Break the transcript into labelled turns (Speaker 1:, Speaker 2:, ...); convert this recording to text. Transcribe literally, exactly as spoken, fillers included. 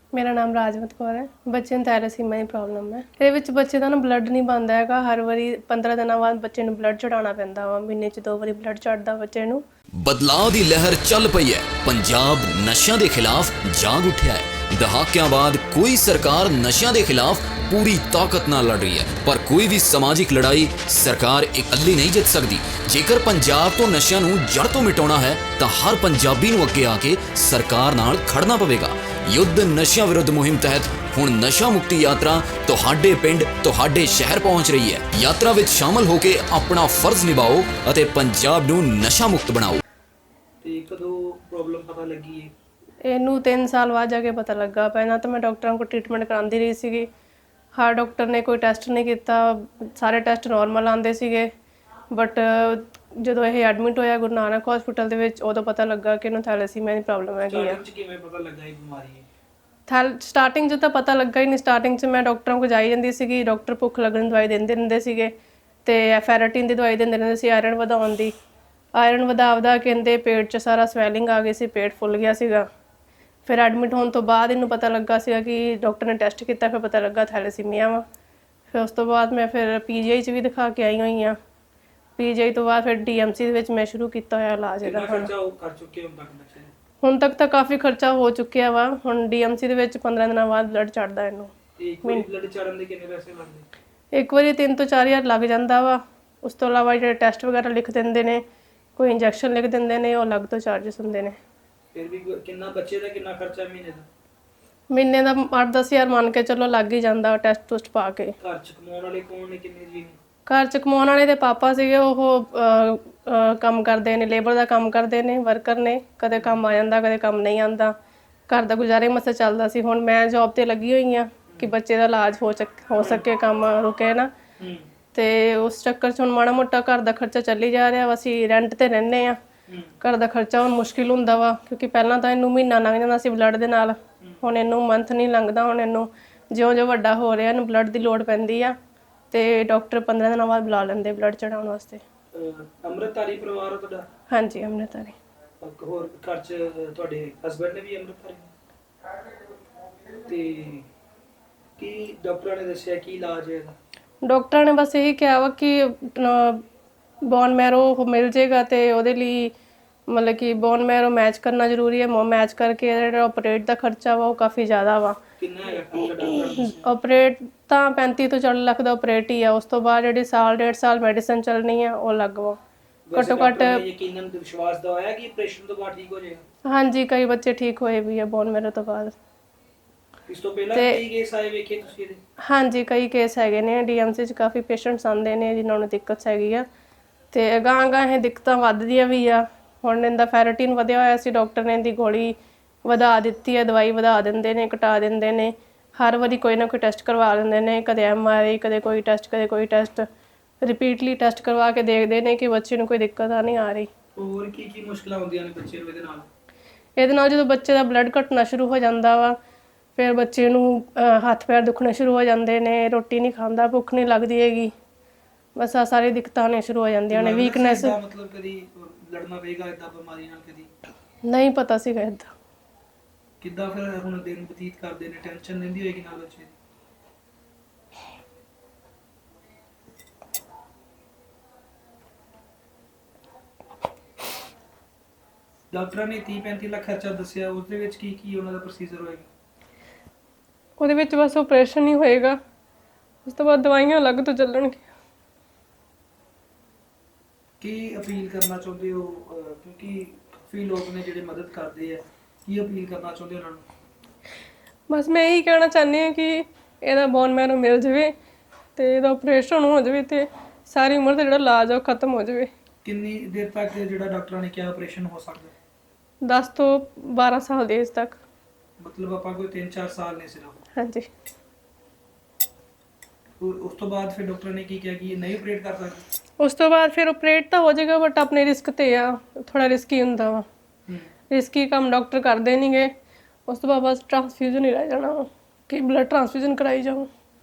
Speaker 1: ਮੇਰਾ ਨਾਮ ਰਾਜਵੰਤ ਕੌਰ ਹੈ। ਬੱਚੇ ਨੂੰ ਥੈਲੇਸੀਮੀਆ ਦੀ ਪ੍ਰੋਬਲਮ ਹੈ। ਇਹਦੇ ਵਿੱਚ ਬੱਚੇ ਦਾ ਨਾ ਬਲੱਡ ਨਹੀਂ ਬਣਦਾ ਹੈਗਾ। ਹਰ ਵਾਰੀ ਪੰਦਰਾਂ ਦਿਨਾਂ ਬਾਅਦ ਬੱਚੇ ਨੂੰ ਬਲੱਡ ਚੜਾਉਣਾ ਪੈਂਦਾ ਵਾ। ਮਹੀਨੇ 'ਚ ਦੋ ਵਾਰੀ ਬਲੱਡ ਚੜਦਾ ਬੱਚੇ ਨੂੰ।
Speaker 2: ਬਦਲਾਅ ਦੀ ਲਹਿਰ ਚੱਲ ਪਈ ਹੈ। ਪੰਜਾਬ ਨਸ਼ਿਆਂ ਦੇ ਖਿਲਾਫ ਜਾਗ ਉੱਠਿਆ ਹੈ। ਦਹਾਕਿਆਂ ਬਾਅਦ ਕੋਈ ਸਰਕਾਰ ਨਸ਼ਿਆਂ ਦੇ ਖਿਲਾਫ ਪੂਰੀ ਤਾਕਤ ਨਾਲ ਲੜ ਰਹੀ ਹੈ, ਪਰ ਕੋਈ ਵੀ ਸਮਾਜਿਕ ਲੜਾਈ ਸਰਕਾਰ ਇਕੱਲੀ ਨਹੀਂ ਜਿੱਤ ਸਕਦੀ। ਜੇਕਰ ਪੰਜਾਬ ਤੋਂ ਨਸ਼ਿਆਂ ਨੂੰ ਜੜ ਤੋਂ ਮਿਟਾਉਣਾ ਹੈ ਤਾਂ ਹਰ ਪੰਜਾਬੀ ਨੂੰ ਅੱਗੇ ਆ ਕੇ ਸਰਕਾਰ ਨਾਲ ਖੜਨਾ ਪਵੇਗਾ। ਯੁੱਧ ਨਸ਼ਿਆਂ ਵਿਰੁੱਧ ਮੁਹਿੰਮ ਤਹਿਤ ਹੁਣ ਨਸ਼ਾ ਮੁਕਤੀ ਯਾਤਰਾ ਤੁਹਾਡੇ ਪਿੰਡ ਤੁਹਾਡੇ ਸ਼ਹਿਰ ਪਹੁੰਚ ਰਹੀ ਹੈ। ਯਾਤਰਾ ਵਿੱਚ ਸ਼ਾਮਲ ਹੋ ਕੇ ਆਪਣਾ ਫਰਜ਼ ਨਿਭਾਓ ਅਤੇ ਪੰਜਾਬ ਨੂੰ ਨਸ਼ਾ ਮੁਕਤ ਬਣਾਓ।
Speaker 3: ਤੇ ਕਦੋਂ ਪ੍ਰੋਬਲਮ ਪਤਾ ਲੱਗੀ ਹੈ?
Speaker 1: ਇਹਨੂੰ ਤਿੰਨ ਸਾਲ ਬਾਅਦ ਜਾ ਕੇ ਪਤਾ ਲੱਗਾ। ਪਹਿਲਾਂ ਤਾਂ ਮੈਂ ਡਾਕਟਰਾਂ ਕੋਲ ਟ੍ਰੀਟਮੈਂਟ ਕਰਾਉਂਦੀ ਰਹੀ ਸੀਗੀ। ਹਰ ਡਾਕਟਰ ਨੇ ਕੋਈ ਟੈਸਟ ਨਹੀਂ ਕੀਤਾ, ਸਾਰੇ ਟੈਸਟ ਨੋਰਮਲ ਆਉਂਦੇ ਸੀਗੇ। ਬਟ ਜਦੋਂ ਇਹ ਐਡਮਿਟ ਹੋਇਆ ਗੁਰੂ ਨਾਨਕ ਹਸਪੀਟਲ ਦੇ ਵਿੱਚ, ਉਦੋਂ ਪਤਾ ਲੱਗਾ ਕਿ ਇਹਨੂੰ ਥੈਲੇਸੀਮੀਆ ਦੀ ਪ੍ਰੋਬਲਮ ਹੈਗੀ ਆ।
Speaker 3: ਸਟਾਰਟਿੰਗ 'ਚ ਕਿਵੇਂ ਪਤਾ ਲੱਗਾ ਇਹ ਬਿਮਾਰੀ ਹੈ?
Speaker 1: ਥੈਲ ਸਟਾਰਟਿੰਗ 'ਚ ਤਾਂ ਪਤਾ ਲੱਗਾ ਹੀ ਨਹੀਂ। ਸਟਾਰਟਿੰਗ 'ਚ ਮੈਂ ਡਾਕਟਰਾਂ ਕੋਲ ਜਾਈ ਜਾਂਦੀ ਸੀਗੀ। ਡਾਕਟਰ ਭੁੱਖ ਲੱਗਣ ਦੀ ਦਵਾਈ ਦਿੰਦੇ ਰਹਿੰਦੇ ਸੀਗੇ ਅਤੇ ਫੈਰਾਟੀਨ ਦੀ ਦਵਾਈ ਦਿੰਦੇ ਰਹਿੰਦੇ ਸੀ, ਆਇਰਨ ਵਧਾਉਣ ਦੀ। ਆਇਰਨ ਵਧਾ ਵਧਾ ਕਹਿੰਦੇ ਪੇਟ 'ਚ ਸਾਰਾ ਸਵੈਲਿੰਗ ਆ ਗਈ ਸੀ, ਪੇਟ ਫੁੱਲ ਗਿਆ ਸੀਗਾ। ਫਿਰ ਐਡਮਿਟ ਹੋਣ ਤੋਂ ਬਾਅਦ ਇਹਨੂੰ ਪਤਾ ਲੱਗਾ ਸੀਗਾ ਕਿ ਡਾਕਟਰ ਨੇ ਟੈਸਟ ਕੀਤਾ, ਫਿਰ ਪਤਾ ਲੱਗਾ ਥੈਲੇਸੀਮੀਆ ਵਾ। ਫਿਰ ਉਸ ਤੋਂ ਬਾਅਦ ਮੈਂ ਫਿਰ ਪੀ ਜੀ ਆਈ 'ਚ ਵੀ ਦਿਖਾ ਕੇ ਆਈ ਹੋਈ ਹਾਂ। ਪੀ ਜੀ ਆਈ ਤੋਂ ਬਾਅਦ ਫਿਰ ਡੀ ਐਮ ਸੀ ਦੇ ਵਿੱਚ ਮੈਂ ਸ਼ੁਰੂ ਕੀਤਾ ਹੋਇਆ ਇਲਾਜ ਇਹਦਾ। ਹੁਣ
Speaker 3: ਕਰ ਚੁੱਕੇ ਹੁਣ ਤੱਕ ਬੱਚੇ?
Speaker 1: ਹੁਣ ਤੱਕ ਤਾਂ ਕਾਫੀ ਖਰਚਾ ਹੋ ਚੁੱਕਿਆ ਵਾ। ਹੁਣ ਡੀ ਐਮ ਸੀ ਦੇ ਵਿੱਚ ਪੰਦਰਾਂ ਦਿਨਾਂ ਬਾਅਦ ਬਲੱਡ ਚੜ੍ਹਦਾ ਇਹਨੂੰ।
Speaker 3: ਇੱਕ ਵਾਰੀ ਬਲੱਡ ਚੜਨ ਦੇ ਕਿੰਨੇ ਪੈਸੇ ਲੱਗਦੇ?
Speaker 1: ਇੱਕ ਵਾਰੀ ਤਿੰਨ ਤੋਂ ਚਾਰ ਹਜ਼ਾਰ ਲੱਗ ਜਾਂਦਾ ਵਾ। ਉਸ ਤੋਂ ਇਲਾਵਾ ਜਿਹੜੇ ਟੈਸਟ ਵਗੈਰਾ ਲਿਖ ਦਿੰਦੇ ਨੇ, ਕੋਈ ਇੰਜੈਕਸ਼ਨ ਲਿਖ ਦਿੰਦੇ ਨੇ, ਉਹ ਅਲੱਗ ਤੋਂ ਚਾਰਜਸ ਹੁੰਦੇ ਨੇ।
Speaker 3: ਫਿਰ ਵੀ ਕਿੰਨਾ ਬੱਚੇ ਦਾ ਕਿੰਨਾ ਖਰਚਾ ਮਹੀਨੇ ਦਾ?
Speaker 1: ਮਹੀਨੇ ਦਾ ਅੱਠ ਦਸ ਹਜ਼ਾਰ ਮੰਨ ਕੇ ਚਲੋ ਲੱਗ ਹੀ ਜਾਂਦਾ ਟੈਸਟ ਟੁਸਟ ਪਾ ਕੇ।
Speaker 3: ਘਰ 'ਚ ਕਮਾਉਣ ਵਾਲੇ ਕੌਣ ਨੇ, ਕਿੰਨੇ ਜੀ?
Speaker 1: ਘਰ 'ਚ ਕਮਾਉਣ ਵਾਲੇ ਦੇ ਪਾਪਾ ਸੀਗੇ, ਉਹ ਅਹ, ਅਹ, ਕੰਮ ਕਰਦੇ ਨੇ, ਲੇਬਰ ਦਾ ਕੰਮ ਕਰਦੇ ਨੇ, ਵਰਕਰ ਨੇ। ਕਦੇ ਕੰਮ ਆ ਜਾਂਦਾ, ਕਦੇ ਕੰਮ ਨਹੀਂ ਆਉਂਦਾ। ਘਰ ਦਾ ਗੁਜ਼ਾਰੇ ਮਸਾ ਚੱਲਦਾ ਸੀ। ਹੁਣ ਮੈਂ ਜੋਬ ਤੇ ਲੱਗੀ ਹੋਈ ਹਾਂ ਕਿ ਬੱਚੇ ਦਾ ਇਲਾਜ ਹੋ ਸਕ ਹੋ ਸਕੇ, ਕੰਮ ਰੁਕੇ ਨਾ। ਤੇ ਉਸ ਚੱਕਰ 'ਚ ਹੁਣ ਮਾੜਾ ਮੋਟਾ ਘਰ ਦਾ ਖਰਚਾ ਚੱਲੀ ਜਾ ਰਿਹਾ ਵਾ। ਅਸੀਂ ਰੈਂਟ ਤੇ ਰਹਿੰਦੇ ਹਾਂ। ਘਰ ਦਾ ਖਰਚਾ ਹੁਣ ਮੁਸ਼ਕਿਲ ਹੁੰਦਾ ਵਾ, ਕਿਉਂਕਿ ਪਹਿਲਾਂ ਤਾਂ ਇਹਨੂੰ ਮਹੀਨਾ ਲੰਘ ਜਾਂਦਾ ਸੀ ਬਲੱਡ ਦੇ ਨਾਲ। ਹੁਣ ਇਹਨੂੰ ਮੰਥ ਨਹੀਂ ਲੰਘਦਾ। ਹੁਣ ਇਹਨੂੰ ਜਿਉਂ ਜਿਉਂ ਵੱਡਾ ਹੋ ਰਿਹਾ ਇਹਨੂੰ ਬਲੱਡ ਦੀ ਲੋੜ ਪੈਂਦੀ ਆ, ਤੇ ਡਾਕਟਰ ਪੰਦਰਾਂ ਦਿਨਾਂ ਬਾਅਦ ਬੁਲਾ ਲੈਂਦੇ ਬਲੱਡ ਚੜਾਉਣ ਵਾਸਤੇ।
Speaker 3: ਅੰਮ੍ਰਿਤਧਾਰੀ ਪਰਿਵਾਰ ਆ ਤੁਹਾਡਾ?
Speaker 1: ਹਾਂਜੀ, ਅੰਮ੍ਰਿਤਧਾਰੀ।
Speaker 3: ਹੋਰ ਘਰ 'ਚ ਤੁਹਾਡੇ ਹਸਬੈਂਡ ਨੇ ਵੀ ਅੰਮ੍ਰਿਤਧਾਰੀ? ਤੇ ਕੀ ਡਾਕਟਰਾਂ ਨੇ ਦੱਸਿਆ ਕੀ ਇਲਾਜ ਹੈ ਇਹਦਾ?
Speaker 1: ਡਾਕਟਰਾਂ ਨੇ ਬਸ ਇਹੀ ਕਿਹਾ ਵਾ ਕਿ ਬੋਨ ਮੈਰੋ ਮਿਲ ਜੇਗਾ, ਤੇ ਉਹਦੇ ਲਈ ਮਤਲਬ ਕਿ ਬੋਨ ਮੈਰੋ ਮੈਚ ਕਰਨਾ ਜ਼ਰੂਰੀ ਹੈ। ਮੈਚ ਕਰਕੇ ਜਿਹੜਾ ਆਪਰੇਟ ਦਾ ਖਰਚਾ ਵਾ ਉਹ ਕਾਫੀ ਜ਼ਿਆਦਾ ਵਾ।
Speaker 3: ਕਿੰਨਾ ਹੈਗਾ ਖਰਚਾ ਡਾਕਟਰ ਨੇ?
Speaker 1: ਆਪਰੇਟ ਤਾਂ ਪੈਂਤੀ ਤੋਂ ਚਾਲੀ ਲੱਖ ਦਾ ਆਪਰੇਟ ਹੀ ਆ। ਉਸ ਤੋਂ ਬਾਅਦ ਜਿਹੜੀ ਸਾਲ ਡੇਢ ਸਾਲ ਮੈਡੀਸਨ ਚੱਲਣੀ ਆ ਉਹ ਅਲੱਗ ਵਾ। ਘੱਟੋ ਘੱਟ
Speaker 3: ਯਕੀਨਨ ਵਿਸ਼ਵਾਸ ਦਵਾਇਆ ਕਿ ਆਪਰੇਸ਼ਨ ਤੋਂ ਬਾਅਦ ਠੀਕ ਹੋ ਜਾਏਗਾ?
Speaker 1: ਹਾਂਜੀ, ਕਈ ਬੱਚੇ ਠੀਕ ਹੋਏ ਵੀ ਆ ਬੋਨ ਮੈਰੋ ਤੋਂ ਬਾਅਦ।
Speaker 3: ਇਸ ਤੋਂ ਪਹਿਲਾਂ ਕਈ ਕੇਸ ਆਏ ਵੇਖੇ ਤੁਸੀਂ ਇਹਦੇ? ਹਾਂਜੀ,
Speaker 1: ਕਈ ਕੇਸ ਹੈਗੇ ਨੇ। ਡੀ ਐਮ ਸੀ 'ਚ ਕਾਫੀ ਪੇਸ਼ੈਂਟਸ ਆਉਂਦੇ ਨੇ ਜਿਨ੍ਹਾਂ ਨੂੰ ਦਿੱਕਤ ਹੈਗੀ ਆ, ਤੇ ਅਗਾਂਹ ਅਗਾਂਹ ਇਹ ਦਿੱਕਤਾਂ ਵੱਧਦੀਆਂ ਵੀ ਆ। ਹੁਣ ਇਹਦਾ ਫੈਰਾਟੀਨ ਵਧਿਆ ਹੋਇਆ ਸੀ, ਡਾਕਟਰ ਨੇ ਇਹਦੀ ਗੋਲੀ ਵਧਾ ਦਿੱਤੀ ਹੈ, ਦਵਾਈ ਵਧਾ ਦਿੰਦੇ ਨੇ, ਘਟਾ ਦਿੰਦੇ ਨੇ। ਹਰ ਵਾਰੀ ਕੋਈ ਨਾ ਕੋਈ ਟੈਸਟ ਕਰਵਾ ਲੈਂਦੇ ਨੇ, ਕਦੇ ਐਮ ਆਰ ਆਈ, ਕਦੇ ਕੋਈ ਟੈਸਟ, ਕਦੇ ਕੋਈ ਟੈਸਟ। ਰਿਪੀਟਲੀ ਟੈਸਟ ਕਰਵਾ ਕੇ ਦੇਖਦੇ ਨੇ ਕਿ ਬੱਚੇ ਨੂੰ ਕੋਈ ਦਿੱਕਤ ਆ ਨਹੀਂ ਆ ਰਹੀ।
Speaker 3: ਹੋਰ ਕੀ ਕੀ ਮੁਸ਼ਕਲਾਂ ਹੁੰਦੀਆਂ ਨੇ ਬੱਚੇ ਨੂੰ ਇਹਦੇ ਨਾਲ?
Speaker 1: ਇਹਦੇ ਨਾਲ ਜਦੋਂ ਬੱਚੇ ਦਾ ਬਲੱਡ ਘਟਣਾ ਸ਼ੁਰੂ ਹੋ ਜਾਂਦਾ ਵਾ, ਫਿਰ ਬੱਚੇ ਨੂੰ ਹੱਥ ਪੈਰ ਦੁਖਣੇ ਸ਼ੁਰੂ ਹੋ ਜਾਂਦੇ ਨੇ, ਰੋਟੀ ਨਹੀਂ ਖਾਂਦਾ, ਭੁੱਖ ਨਹੀਂ ਲੱਗਦੀ ਹੈਗੀ। ਬਸ ਆ ਸਾਰੀ ਦਿੱਕਤਾਂ ਆਉਣੀਆਂ ਸ਼ੁਰੂ ਹੋ ਜਾਂਦੀਆਂ ਨੇ। ਵੀਕਨੈਸ।
Speaker 3: ਮਤਲਬ ਕਦੀ ਲੜਨਾ ਪਏਗਾ ਇਦਾਂ ਬਿਮਾਰੀ ਨਾਲ? ਕਦੀ
Speaker 1: ਨਹੀਂ ਪਤਾ ਸੀਗਾ ਇੱਦਾਂ।
Speaker 3: ਕਿੱਦਾਂ ਫਿਰ ਹੁਣ ਦਿਨ ਬਤੀਤ ਕਰਦੇ ਨੇ? ਟੈਨਸ਼ਨ ਲੈਂਦੀ ਹੋਏਗੀ ਨਾਲ ਬੱਚੇ? ਡਾਕਟਰਾਂ ਨੇ ਤੀਹ ਪੈਂਤੀ ਲੱਖ ਖਰਚਾ ਦੱਸਿਆ, ਉਸ ਦੇ ਵਿੱਚ ਕੀ ਕੀ ਉਹਨਾਂ ਦਾ ਪ੍ਰੋਸੀਜਰ ਹੋਏਗਾ?
Speaker 1: ਉਹਦੇ ਵਿੱਚ ਬਸ ਆਪਰੇਸ਼ਨ ਹੀ ਹੋਏਗਾ, ਉਸ ਤੋਂ ਬਾਅਦ ਦਵਾਈਆਂ ਅਲੱਗ ਤੋਂ ਚੱਲਣਗੀਆਂ।
Speaker 3: ਕੀ ਅਪੀਲ ਕਰਨਾ ਚਾਹੁੰਦੇ ਹੋ, ਕਿਉਂਕਿ ਕਾਫੀ ਲੋਕ ਨੇ ਜਿਹੜੇ ਮਦਦ ਕਰਦੇ ਆ, ਕੀ ਅਪੀਲ ਕਰਨਾ ਚਾਹੁੰਦੇ ਉਹਨਾਂ ਨੂੰ?
Speaker 1: ਬਸ ਮੈਂ ਇਹੀ ਕਹਿਣਾ ਚਾਹੁੰਦੀ ਹਾਂ ਕਿ ਇਹਦਾ ਬੋਨ ਮੈਰੋ ਮਿਲ ਜਾਵੇ ਤੇ ਇਹਦਾ ਆਪਰੇਸ਼ਨ ਹੋ ਜਾਵੇ ਤੇ ਸਾਰੀ ਉਮਰ ਦਾ ਜਿਹੜਾ ਇਲਾਜ ਆ ਉਹ ਖਤਮ ਹੋ ਜਾਵੇ।
Speaker 3: ਕਿੰਨੀ ਦੇਰ ਤੱਕ ਜਿਹੜਾ ਡਾਕਟਰਾਂ ਨੇ ਕਿਹਾ ਆਪਰੇਸ਼ਨ ਹੋ ਸਕਦਾ?
Speaker 1: ਦਸ ਤੋਂ ਬਾਰਾਂ ਸਾਲ ਦੀ ਏਜ ਤੱਕ।
Speaker 3: ਮਤਲਬ ਆਪਾਂ ਕੋਈ ਤਿੰਨ ਚਾਰ ਸਾਲ ਨੇ ਸਿਰਫ?
Speaker 1: ਹਾਂਜੀ।
Speaker 3: ਉਸ ਤੋਂ ਬਾਅਦ ਫਿਰ ਡਾਕਟਰ ਨੇ ਕੀ ਕਿਹਾ ਕਿ ਨਹੀਂ ਆਪਰੇਟ ਕਰ ਸਕਦੇ?
Speaker 1: ਉਸ ਤੋਂ ਬਾਅਦ ਫਿਰ ਆਪਰੇਟ ਤਾਂ ਹੋ ਜਾਏਗਾ, ਬਟ ਆਪਣੇ ਰਿਸਕ ਤੇ ਆ, ਥੋੜਾ ਰਿਸਕੀ ਹੁੰਦਾ ਵਾ। ਰਿਸਕੀ ਕੰਮ ਡਾਕਟਰ ਕਰਦੇ ਨਹੀਂਗੇ। ਉਸ ਤੋਂ ਬਾਅਦ ਬਸ ਟ੍ਰਾਂਸਫਿਊਜ਼ਨ ਹੀ ਰਹਿ ਜਾਣਾ ਕਿ ਬਲੱਡ ਟ੍ਰਾਂਸਫਿਊਜ਼ਨ ਕਰਾਈ ਜਾਓ।